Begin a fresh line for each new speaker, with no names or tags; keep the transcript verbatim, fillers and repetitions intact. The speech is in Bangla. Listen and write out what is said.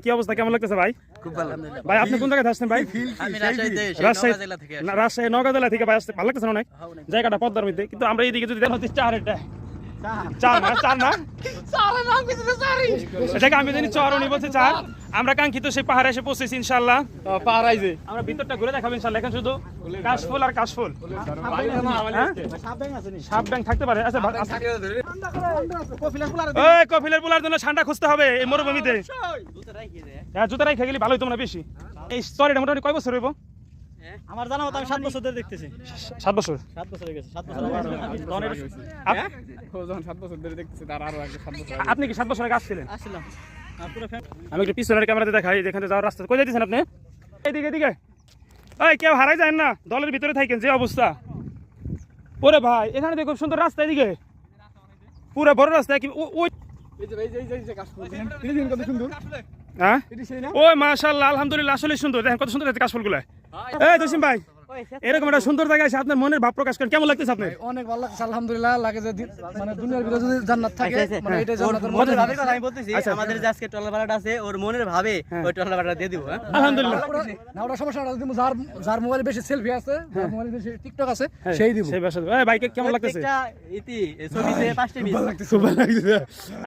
কি অবস্থা, কেমন লাগতেছে ভাই?
খুব ভালো।
ভাই আপনি কোন জায়গায় আসছেন ভাই?
আমি রাজশাহীতে
রাজশাহী
জেলা থেকে
না, রাজশাহী নওগাঁ জেলা থেকে ভাই আসতে ভালো লাগতেছে না অনেক জায়গাটা পদ্মার মধ্যে, কিন্তু আমরা এইদিকে যদি দেখেন হচ্ছে চার এটা চার না চার না এটাকে আমি জানি চর, উনি বলছে চার। আমরা কাঙ্ক্ষিত সেই পাহাড়ে এসে পৌঁছেছি ইনশাল্লাহ।
পাহাড়াইছে
আমরা ভিতরটা ঘুরে দেখাবো ইনশাল্লাহ। এখন শুধু কাশফুল আর কাশফুল, হ্যাঁ? সাপ ব্যাং থাকতে পারে। আচ্ছা ওই কফিলের পোলার জন্য ঠান্ডা খুঁজতে হবে এই মরুভূমিতে। হ্যাঁ জুতা রাখা গেলে ভালোই, তোমরা বেশি। এই স্টোরিটা মোটামুটি কয় বছর হইব?
আমার জানা মতো আমি সাত বছর ধরে দেখতেছি।
সাত বছর।
সাত বছর হয়ে গেছে। সাত বছর
আপ-
যখন সাত বছর ধরে দেখতেছি তার আরো আগে সাত বছর
আপনি কি সাত বছর আগে আসছিলেন?
আসছিলাম। আর পুরো ফ্যামিলি
আমি একটু পিছনের ক্যামেরাতে দেখাই, যেখানে যাওয়ার রাস্তা। কোথায় যাচ্ছেন আপনি? এইদিকে এদিকে। ওই কেউ হারাই যায় না, দলের ভিতরে থাকেন যে অবস্থা। ওরে ভাই এখানে দেখো সুন্দর রাস্তা, এদিকে পুরো বড় রাস্তা। কি ও- ওই
এই যে এই যে এই যে কাশফুল তিনি দিন কত সুন্দর।
হ্যাঁ
এটি সেই না?
ওই মাশাআল্লাহ আলহামদুলিল্লাহ, আসলে সুন্দর। দেখেন কত সুন্দর আছে কাশফুলগুলো। এই জসিম ভাই এরকম একটা সুন্দর জায়গায় এসে আপনার মনের ভাব প্রকাশ করেন, কেমন লাগতেছে আপনার?
অনেক ভালো লাগছে আলহামদুলিল্লাহ। লাগে যে দি- মানে দুনিয়ার ভিতরে যদি জান্নাত থাকে মানে এটাই জান্নাতের মতো।
মনের ভাবের কথা আমি বলতেছি, আমাদের যে আজকে ট্রলার ভাড়াটা আছে ওর মনের ভাবে ওই ট্রলার ভাড়াটা দিয়ে দিব। হ্যাঁ
আলহামদুলিল্লাহ।
না ওটা সমস্যা না, যদি যার যার মোবাইলে বেশি সেলফি আছে, যার মোবাইলে বেশি টিকটক আছে সেই দিব।
সেই বাসা। এই ভাইকে কেমন লাগতেছে?
প্রত্যেকটা ইতি ছবিতে পাঁচটা মিস।
খুব ভালো লাগতেছে।